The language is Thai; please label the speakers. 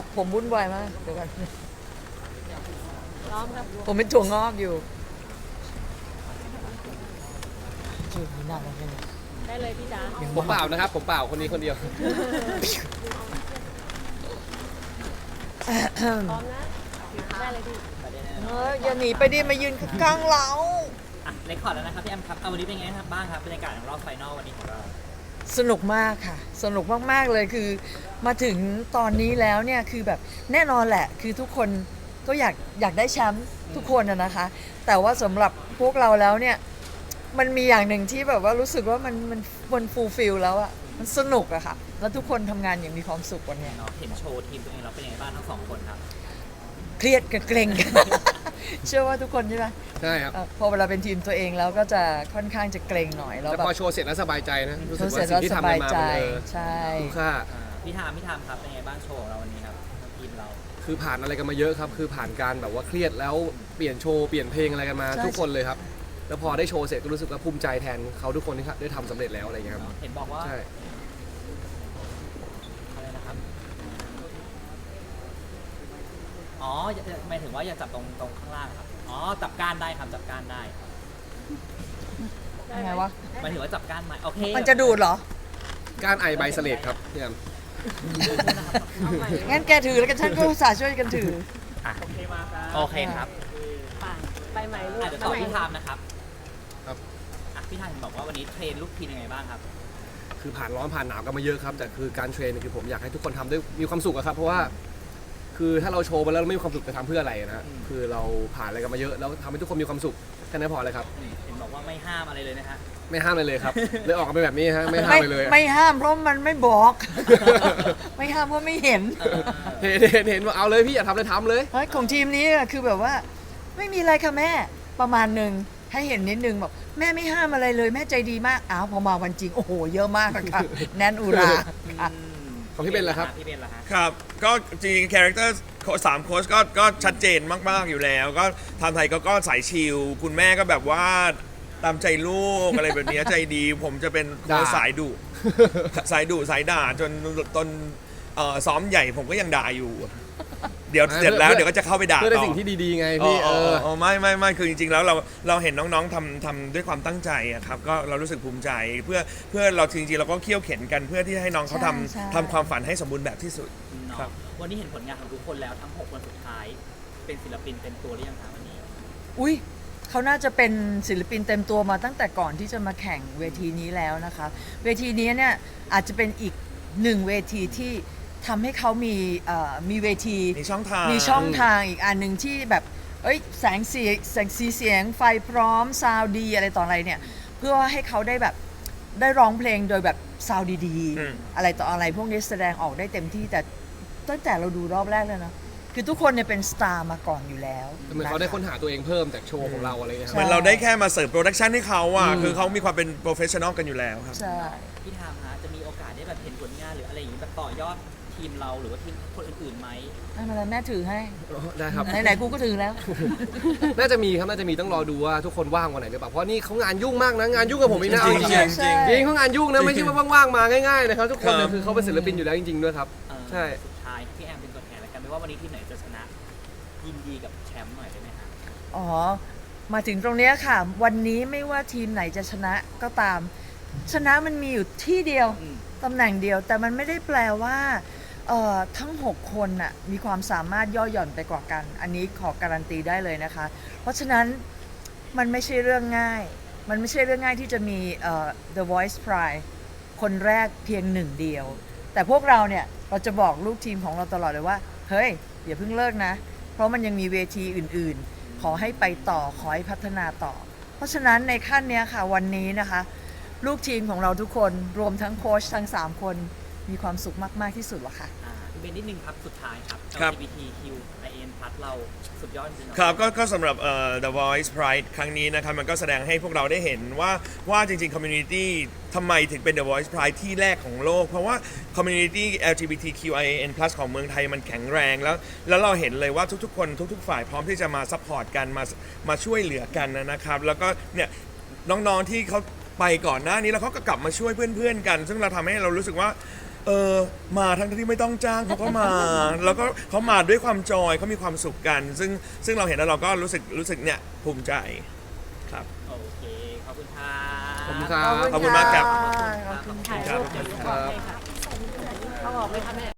Speaker 1: ผมวุ่นวายมากเดี๋ยวกัน
Speaker 2: พร้อมครับ
Speaker 1: ผมเป็นถั่วงอกอยู่ชื่อนี่น่ารักจังเลย
Speaker 2: ได้เลยพี่จ๋า
Speaker 3: ผมเปล่านะครับผมเปล่าคนนี้คนเดียว
Speaker 2: พร้อมนะได้เลยพี่
Speaker 1: อย่าหนีไปดิมายืนข้างๆเรา
Speaker 4: อ่ะเรคคอร์ดแล้วนะครับพี่แอมครับเอาวันนี้เป็นไงครับบ้างครับบรรยากาศของรอบไฟนอลวันนี้ของเรา
Speaker 1: สนุกมากค่ะ สนุกมากๆเลยคือมาถึงตอนนี้แล้วเนี่ยคือแบบแน่นอนแหละคือทุกคนก็อยากได้แชมป์ทุกคนนะคะ แต่ว่าสำหรับพวกเราแล้วเนี่ยมันมีอย่างหนึ่งที่แบบว่ารู้สึกว่ามันฟูลฟิลแล้วอะมันสนุกอะค่ะแล้วทุกคนทำงานอย่างมีความสุขวันเนี้ย
Speaker 4: เนาะเห็นโชว์ทีมตัวเองเราเป็นยังไงบ้างทั้งสองคนครับ
Speaker 1: เครียดกับเกรง เชื่อว่าทุกคนใช่ไหม
Speaker 3: ใช่ครับ
Speaker 1: พอเวลาเป็นทีมตัวเองแล้วก็จะค่อนข้างจะเกรงหน่อยแล้ว
Speaker 3: แต่
Speaker 1: แบบ
Speaker 3: พอโชว์เสร็จแล้วสบายใจนะรู้สึก
Speaker 1: เสร็
Speaker 3: ว่า
Speaker 1: จ
Speaker 3: สิ่
Speaker 1: แล้
Speaker 3: ง
Speaker 1: ว
Speaker 3: ที่
Speaker 1: ส
Speaker 3: ทำ
Speaker 1: บาย
Speaker 3: มา
Speaker 1: ใจ
Speaker 3: มัน
Speaker 1: ใช่
Speaker 3: คุ้มค่า
Speaker 4: พี่ทามครับเป็นยังไงบ้างโชว์ของเราวันนี้ครับทีมเรา
Speaker 3: คือผ่านอะไรกันมาเยอะครับ คือผ่านการแบบว่าเครียดแล้วเปลี่ยนโชว์เปลี่ยนเพลงอะไรกันมาทุกคนเลยครับ แล้วพอได้โชว์เสร็จก็รู้สึกว่าภูมิใจแทนเขาทุกคนที่ได้ทำสำเร็จแล้วอะไรอย่างเงี้ยครับ
Speaker 4: เห็นบอกว่า
Speaker 3: ใช่
Speaker 4: อะไรนะครับอ๋อหมายถึงว่าอย่าจับตรงข้างล่างครับอ๋อจับก้านได้ครับจับก้านได้
Speaker 1: ยังไงวะ
Speaker 4: หมายถึงว่าจับก้านไหมโอเค
Speaker 1: มันจะดูดเหรอ
Speaker 3: การไอใบเสลดครับพี่แอม
Speaker 1: งั้นแกถือแล้วกันฉันก็อุตส่าห์ช่วยกันถือ
Speaker 4: โอเคครับ
Speaker 2: ไปใหม่ลูก
Speaker 4: อาจจะต่อพี่ทามนะครับ
Speaker 3: ครับ
Speaker 4: อ่ะพี่ทามบอกว่าวันนี้เทรนลูกทีมยังไงบ้างครับ
Speaker 3: คือผ่านร้อนผ่านหนาวกันมาเยอะครับแต่คือการเทรนเนี่ยคือผมอยากให้ทุกคนทำด้วยมีความสุขอะครับเพราะว่าคือถ้าเราโชว์ไปแล้วเราไม่มีความสุขจะทำเพื่ออะไรนะฮะคือเราผ่านอะไรกันมาเยอะแล้วทำให้ทุกคนมีความสุขแค่นั้นพอเลยครับ
Speaker 4: เห็นบอกว่าไม่ห้ามอะไรเลยนะฮะ
Speaker 3: ไม่ห้ามเลยครับเลยออกมาเป็นแบบนี้ฮะไม่ห้าม
Speaker 1: ไม่
Speaker 3: เลย
Speaker 1: ไม่ห้ามเพราะมันไม่บอก ไม่ห้ามเพราะไม่เห็น
Speaker 3: เห็นว่าเอาเลยพี่อยากทำเลยทำเลย
Speaker 1: เฮ้ยของทีมนี้อะคือแบบว่า ไม่มีอะไรค่ะแม่ประมาณหนึ่งให้เห็นนิดนึงบอกแม่ไม่ห้ามอะไรเลยแม่ใจดีมากอ้าวพอมาวันจริงโอ้โหเยอะมากอะค่ะ แน่นอุราค่ะ
Speaker 3: ของพี่เบนล่ะครับ
Speaker 4: พี่เบนล่ะฮะ
Speaker 5: ครับก็จริงๆคาแรคเตอร์สามโค้ชก็ชัดเจนมากๆอยู่แล้ว ก็ทำไทยก็สายชิลคุณแม่ก็แบบว่าตามใจลูกอะไรแบบเนี้ยใจดี ผมจะเป็นโค้ช
Speaker 3: ด่า
Speaker 5: สายดุสายด่าจนตอนซ้อมใหญ่ผมก็ยังด่าอยู่ เดี๋ยวเสร็จแล้วเดี๋ยวก็จะเข้าไปด่า
Speaker 3: เพื่อได้
Speaker 5: ต่อ
Speaker 3: สิ่งที่ดีๆไงพี่
Speaker 5: ไม่คือจริงๆแล้วเราเห็นน้องๆทำด้วยความตั้งใจอะครับก็เรารู้สึกภูมิใจเพื่อเราจริงๆเราก็เคี่ยวเข็นกันเพื่อที่ให้น้องเขา
Speaker 1: ใช่
Speaker 5: ทำความฝันให้สมบูรณ์แบบที่สุด
Speaker 4: เนาะ
Speaker 5: ครับ
Speaker 4: วันนี้เห็นผลงานของทุกคนแล้วทั้ง 6 วันสุดท้าย เป็นศิลปินเต็มตัวหรือยังคะวันนี้
Speaker 1: อุ้ยเขาน่าจะเป็นศิลปินเต็มตัวมาตั้งแต่ก่อนที่จะมาแข่งเวทีนี้แล้วนะคะ เวทีนี้เนี่ยอาจจะเป็นอีกหนึ่งเวทีที่ทำให้เขามีเวที
Speaker 5: มีช่องทาง
Speaker 1: มีช่องทางอีกอันหนึ่งที่แบบเอ้ยแสงสีเสียงไฟพร้อมซาวดีอะไรต่ออะไรเนี่ยเพื่อให้เขาได้แบบได้ร้องเพลงโดยแบบซาวดี
Speaker 5: อืม
Speaker 1: อะไรต่ออะไรพวกนี้แสดงออกได้เต็มที่แต่ตั้งแต่เราดูรอบแรกเลยนะคือทุกคนเนี่ยเป็นสตาร์มาก่อนอยู่แล้ว
Speaker 3: เหมือนเขาได้ค้นหาตัวเองเพิ่มจากโชว์ของเราอะไรเงี้ยค
Speaker 5: เหมื
Speaker 3: รับ
Speaker 5: อนเราได้แค่มาเสิร์ฟโปรดักชันให้เขาอ่ะ
Speaker 3: อืม
Speaker 5: คือเขามีความเป็นโปรเฟชชั่นอลกันอยู่แล้วครับ
Speaker 1: ใช่
Speaker 4: พี่ทามฮะจะมีโอกาสได้แบบเห็นผลงานหรืออะไรอย่างนี้แบบต่อยอดทีมเราหรือว่าทีมคนอื่นๆไหม
Speaker 1: ไม่เป็นไรแม่ถือให้
Speaker 3: ได้ครับ
Speaker 1: ไหนๆกูก็ถือแล้ว
Speaker 3: น่าจะมีครับน่าจะมีต้องรอดูว่าทุกคนว่างวันไหนหรือเปล่าเพราะนี่เขางานยุ่งมากนะงานยุ่งกับผมอีกนะ
Speaker 5: จริง
Speaker 3: เอา
Speaker 5: จริง
Speaker 1: ใช่
Speaker 5: จริง
Speaker 3: จริงเขางานยุ่งนะไม่ใช่ว่าว่างๆมาง่ายๆนะครับทุกคนเนี่ย
Speaker 5: ครับ
Speaker 3: คือเขาเป็นศิลปินอยู่แล้วจริงๆด้วยครับ ใช่
Speaker 4: สุดท้ายพี่แอมเป็นตัวแทนแล้วกันไม่ว่าวันนี้ทีมไหนจะชนะ ยินดีกับแชมป์หน่อยได้ไหมฮะ
Speaker 1: อ๋อ มาถึงตรงเนี้ยค่ะ วันนี้ไม่ว่าทีมไหนจะชนะก็ตาม ชนะมันมีอยู่ที่เดียว
Speaker 4: อืม
Speaker 1: ตำแหน่งเดียว แต่มันไม่ได้แปลว่าทั้ง 6 คนน่ะมีความสามารถย่อหย่อนไปกว่ากัน อันนี้ขอการันตีได้เลยนะคะ เพราะฉะนั้นมันไม่ใช่เรื่องง่าย มันไม่ใช่เรื่องง่ายที่จะมีThe Voice Pride คนแรกเพียงหนึ่งเดียว แต่พวกเราเนี่ยเราจะบอกลูกทีมของเราตลอดเลยว่า เฮ้ยอย่าเพิ่งเลิกนะ เพราะมันยังมีเวทีอื่นๆ ขอให้ไปต่อขอให้พัฒนาต่อ เพราะฉะนั้นในขั้นเนี้ยค่ะวันนี้นะคะ ลูกทีมของเราทุกคนรวมทั้งโค้ชทั้ง 3 คนมีความสุขมาก ๆ ที่สุดแล้วค่ะ
Speaker 4: พี่เบนนิดนึงครับสุดท้ายครับ
Speaker 5: ครับ
Speaker 4: LGBTQIN+ เราสุดยอดจริงๆเนอะ
Speaker 5: ครับก็สำหรับThe Voice Pride ครั้งนี้นะครับมันก็แสดงให้พวกเราได้เห็นว่าจริงๆ Community ทำไมถึงเป็น The Voice Pride ที่แรกของโลก เพราะว่า Community LGBTQIN+ ของเมืองไทยมันแข็งแรงแล้วเราเห็นเลยว่าทุกๆคนทุกๆฝ่ายพร้อมที่จะมาซัพพอร์ตกันมาช่วยเหลือกันนะครับ แล้วก็เนี่ยน้องๆที่เขาไปก่อนหน้านี้แล้วเขาก็กลับมาช่วยเพื่อนๆกัน ซึ่งเราทำให้เรารู้สึกว่ามาทั้งที่ไม่ต้องจ้างเขาก็มา แล้วก็เขามาด้วยความจอยเขามีความสุขกัน ซึ่งเราเห็นแล้วเราก็รู้สึกเนี่ยภูมิใจครับ
Speaker 4: โอเค ขอบคุณค่ะ
Speaker 3: ขอบคุณครับ
Speaker 5: ขอบคุณมากครับ
Speaker 1: ขอบคุณ
Speaker 2: ถ่ายรูปเดี๋ยวลูกบอกให้ค่ะเขาบอกไหมคะแม่